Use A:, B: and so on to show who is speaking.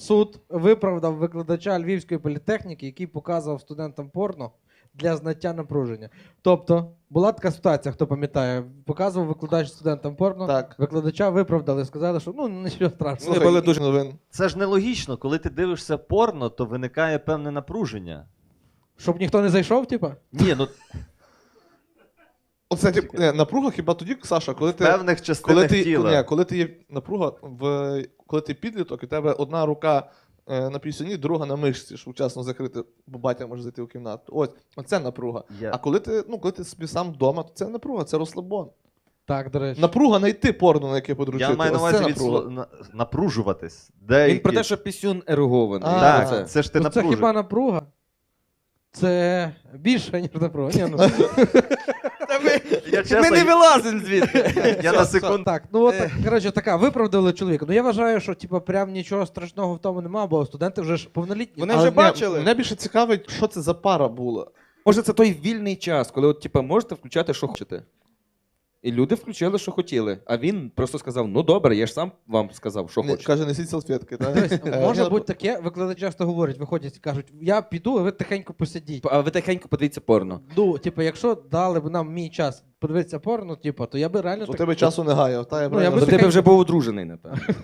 A: Суд виправдав викладача Львівської політехніки, який показував студентам порно для зняття напруження. Тобто, була така ситуація, хто пам'ятає, показував викладач студентам порно,
B: Так.
A: викладача виправдали, сказали, що ну нічого страшного.
B: Слухай, були дуже новин.
C: Це ж нелогічно, коли ти дивишся порно, то виникає певне напруження.
A: Щоб ніхто не зайшов, типа?
C: Ні, ну
B: Оце напруга хіба тоді, Саша, коли
C: в
B: ти.
C: певних частинах тіла.
B: Коли ти є напруга, коли ти підліток, і в тебе одна рука на пісюні, друга на мишці, щоб вчасно закрити, бо батя може зайти в кімнату. Ось, оце напруга. А коли ти собі сам вдома, то це напруга, це розслабон.
A: Так, до речі.
B: Напруга знайти порно, на яке подручити.
C: Я маю на
B: Ось це
C: увазі від
B: напруга.
C: напружуватись.
D: Він про те, що пісюн ерогований.
C: Так, це ж ти
A: Ну, це
C: напружуєш.
A: хіба напруга? Це більше, ніж напруга. Ні, ну.
C: Я
D: Ми
C: чесно,
D: не вилазимо звідти.
C: я на секунду.
A: Так, ну от, коротше, така, виправдали чоловіка. Ну я вважаю, що типа прям нічого страшного в тому немає, бо студенти вже ж повнолітні.
D: Вони
B: Але
D: вже
B: ні,
D: бачили.
B: Мене більше цікавить, що це за пара була.
D: Може, це той вільний час, коли от, типа, можете включати, що хочете. І люди включили, що хотіли. А він просто сказав: ну добре, я ж сам вам сказав, що хочу.
B: Каже, несіть салфетки. Так?
A: Дивись, може бути таке, викладачі часто говорять, виходять і кажуть, я піду, а ви тихенько посидіть.
D: А ви тихенько подивіться порно.
A: Ну, типу, якщо дали б нам мій час подивитися порно, типу, то я би реально
B: У
A: так...
B: тебе часу не гаяв. Та, я
A: Ну, я
B: правильно
A: би
D: То ти
A: тихенько-
D: б вже був одружений, напевно.